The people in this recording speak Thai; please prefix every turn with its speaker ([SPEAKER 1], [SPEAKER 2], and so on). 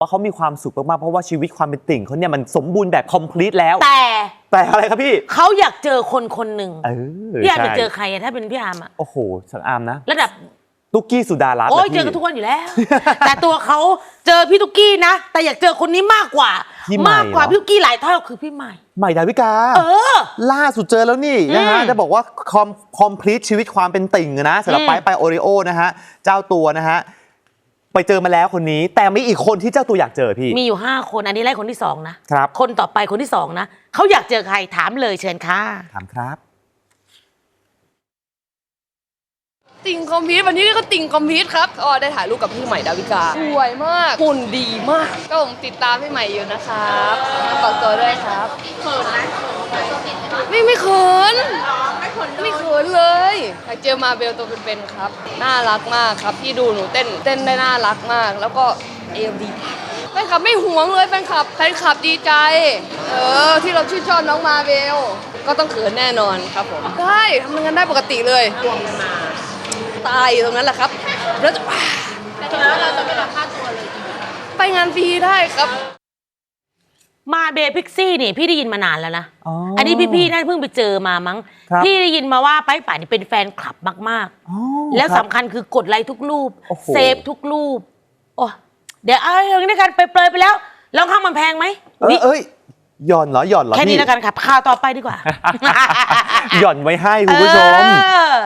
[SPEAKER 1] ว่าเขามีความสุขมากๆเพราะว่าชีวิตความเป็นติ่งเขาเนี่ยมันสมบูรณ์แบบ complete แล้ว
[SPEAKER 2] แต่
[SPEAKER 1] อะไรครับพี่
[SPEAKER 2] เขาอยากเจอคนคนหนึ่งพี่อาร์มจะเจอใครถ้าเป็นพี่อาร์ม
[SPEAKER 1] โอ้โหสังอามนะ
[SPEAKER 2] ระดับ
[SPEAKER 1] ตุ๊กกี้สุดารัตน์
[SPEAKER 2] โอ้ยเจอกันทุกวันอยู่แล้ว แต่ตัวเขาเจอพี่ตุ๊กกี้นะแต่อยากเจอคนนี้มากกว่าพี่ตุ๊กกี้หลายเท่าคือพี่ใหม่
[SPEAKER 1] ดาวิกาล่าสุดเจอแล้วนี่นะฮะจะบอกว่าคอมพลีทชีวิตความเป็นติ่งนะสำหรับไปโอริโอนะฮะเจ้าตัวนะฮะไปเจอมาแล้วคนนี้แต่มีอีกคนที่เจ้าตัวอยากเจอพี่
[SPEAKER 2] มีอยู่5 คนอันนี้ไล่คนที่2นะครับคนต่อไปคนที่2นะเขาอยากเจอใครถามเลยเชิญค่ะ
[SPEAKER 1] ถามครับ
[SPEAKER 3] ติ่งคอมพิวต์วันนี้ก็ติ่งคอมพิวต์ครับก็ได้ถ่ายรูปกับพี่ใหม่ดาวิกาสวยมากหุ่นดีมากก็ผมติดตามพี่ใหม่อยู่นะครับฝากตัวด้วยครับเขินไหมไม่เขินไม่เขินเลยอยากเจอมาเบลตัวเป็นๆครับน่ารักมากครับพี่ดูหนูเต้นได้น่ารักมากแล้วก็เอวดีแฟนคลับไม่หวงเลยแฟนคลับดีใจที่เราชื่นชอบน้องมาเบลก็ต้องเขินแน่นอนครับผมได้ทำงานได้ปกติเลยตายตรงนั้นแหละครับแล้วเราจะไม่รับค่าตัวเลยไปงานฟรีได้ครับ
[SPEAKER 2] มาเบพิกซี่นี่พี่ได้ยินมานานแล้วนะอันนี้พี่น่าเพิ่งไปเจอมามั้งพี่ได้ยินมาว่าไปป่านนี่เป็นแฟนคลับมากๆแล้วสำคัญคือกดไลค์ทุกรูปเซฟทุกรูปโอ้เดี๋ยวเอาอย่างนี้กันไปเปลยไปแล้วลองข้างมันแพงไหม
[SPEAKER 1] หย่อนเหรอ
[SPEAKER 2] แค่นี้แล้วกันครับข่าวต่อไปดีกว่า
[SPEAKER 1] หย่อนไว้ให้คุณผู้ชม